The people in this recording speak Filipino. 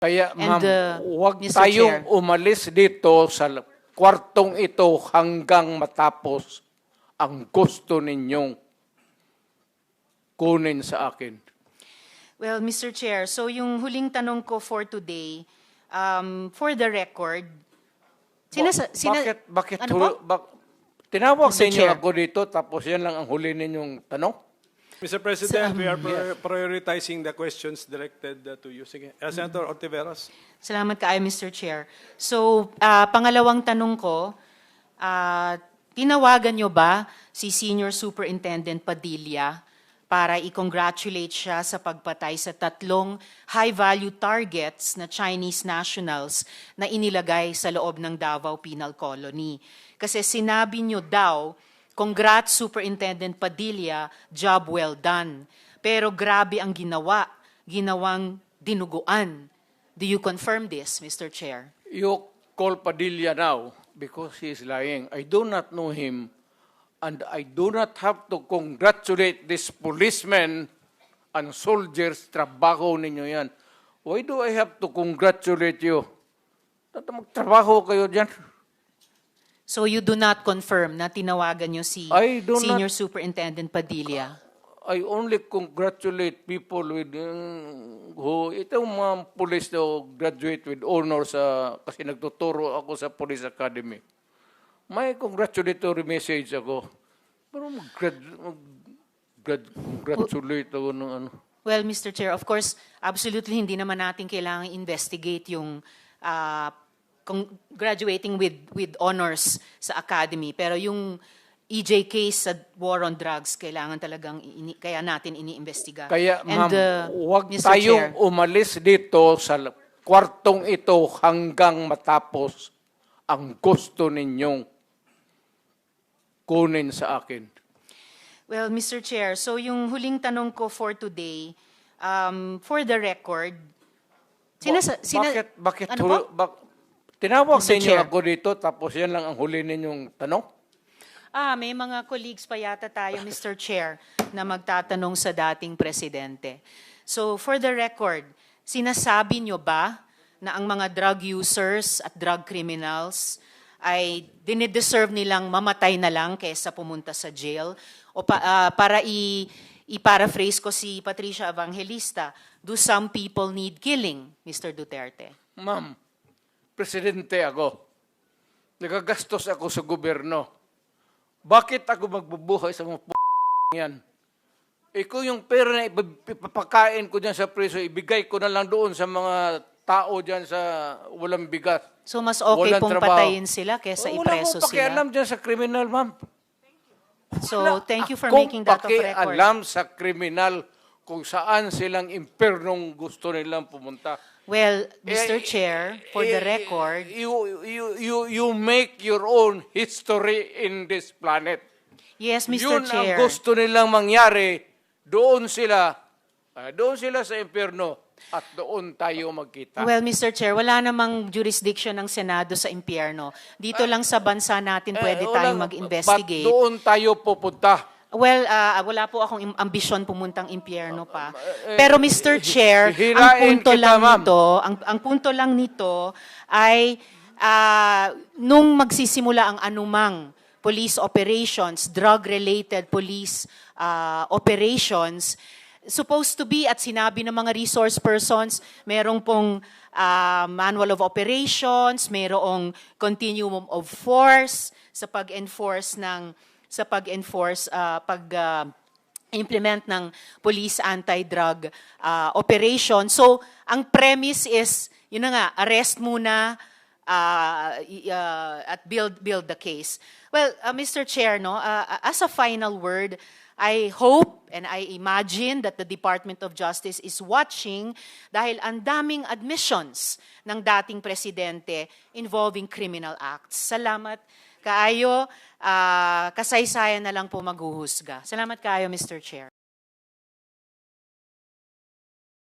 Kaya And, ma'am, huwag Mr. tayong Chair. umalis dito sa kwartong ito hanggang matapos ang gusto ninyong kunin sa akin. Well, Mr. Chair, so yung huling tanong ko for today, for the record, Bakit ano po? tinawag Mr. ninyo Chair. ako dito tapos yan lang ang huli ninyong tanong? Mr. President, we are prioritizing the questions directed to you. Sige. Senator Ortiveros. Salamat kaayo, Mr. Chair. So, pangalawang tanong ko, tinawagan nyo ba si Senior Superintendent Padilla para i-congratulate siya sa pagpatay sa 3 high-value targets na Chinese nationals na inilagay sa loob ng Davao Penal Colony? Kasi sinabi nyo daw, "Congrats Superintendent Padilla, job well done." Pero grabe ang ginawang dinuguan. Do you confirm this, Mr. Chair? You call Padilla now because he is lying. I do not know him and I do not have to congratulate this policemen and soldiers. Trabaho ninyo yan. Why do I have to congratulate you? Magtrabaho kayo dyan. So you do not confirm na tinawagan nyo si I do Senior not- Superintendent Padilla? I only congratulate people with itong mga police na graduate with honors kasi nagtuturo ako sa Police Academy. May congratulatory message ako. Pero congratulate ako ng ano. Well, Mr. Chair, of course, absolutely hindi naman natin kailangan investigate yung graduating with honors sa academy. Pero yung EJ case sa war on drugs, kailangan talagang kaya natin iniimbestiga. Kaya And, ma'am, huwag Mr. tayong Chair, umalis dito sa kwartong ito hanggang matapos ang gusto ninyong kunin sa akin. well, Mr. Chair, so yung huling tanong ko for today, for the record, Bakit ano po? tinawag Mr. sa inyo Chair. ako dito tapos yan lang ang huli ninyong tanong? May mga colleagues pa yata tayo, Mr. Chair, na magtatanong sa dating presidente. So, for the record, sinasabi nyo ba na ang mga drug users at drug criminals ay dinideserve nilang mamatay na lang kaysa pumunta sa jail? O para i-paraphrase ko si Patricia Evangelista, do some people need killing, Mr. Duterte? Ma'am, presidente ako. Nagagastos ako sa gobyerno. Bakit ako magbubuhay sa mga yan? Kung yung pera na ipapakain ko dyan sa preso, ibigay ko na lang doon sa mga tao dyan sa walang bigas. So, mas okay Walang pong trabaho. patayin sila kaysa ipreso Wala akong pakialam sila? dyan sa kriminal, ma'am. So, thank you for Akong making that of record. pakialam sa kriminal kung saan silang impernong gusto nilang pumunta. Well, Mr. Chair, for the record, You make your own history in this planet. yes, Mr. Yun Chair. ang gusto nilang mangyari. Doon sila sa impyerno at doon tayo magkita. Well, Mr. Chair, wala namang jurisdiction ng Senado sa impyerno. Dito lang sa bansa natin pwede tayong mag-investigate. Ba't doon tayo pupunta? Well, wala po akong ambisyon pumuntang impyerno pa. Pero Mr. Chair, ang hirain punto kita, lang ma'am. nito, ang punto lang nito ay nung magsisimula ang anumang police operations, drug-related police operations, supposed to be at sinabi ng mga resource persons, merong pong manual of operations, merong continuum of force sa pag-enforce pag-implement ng police anti-drug operation. So, ang premise is, yun na nga, arrest muna at build the case. Well, Mr. Chair, no, as a final word, I hope and I imagine that the Department of Justice is watching dahil ang daming admissions ng dating presidente involving criminal acts. Salamat kaayo, kasaysayan na lang po maghuhusga. Salamat kaayo, Mr. Chair.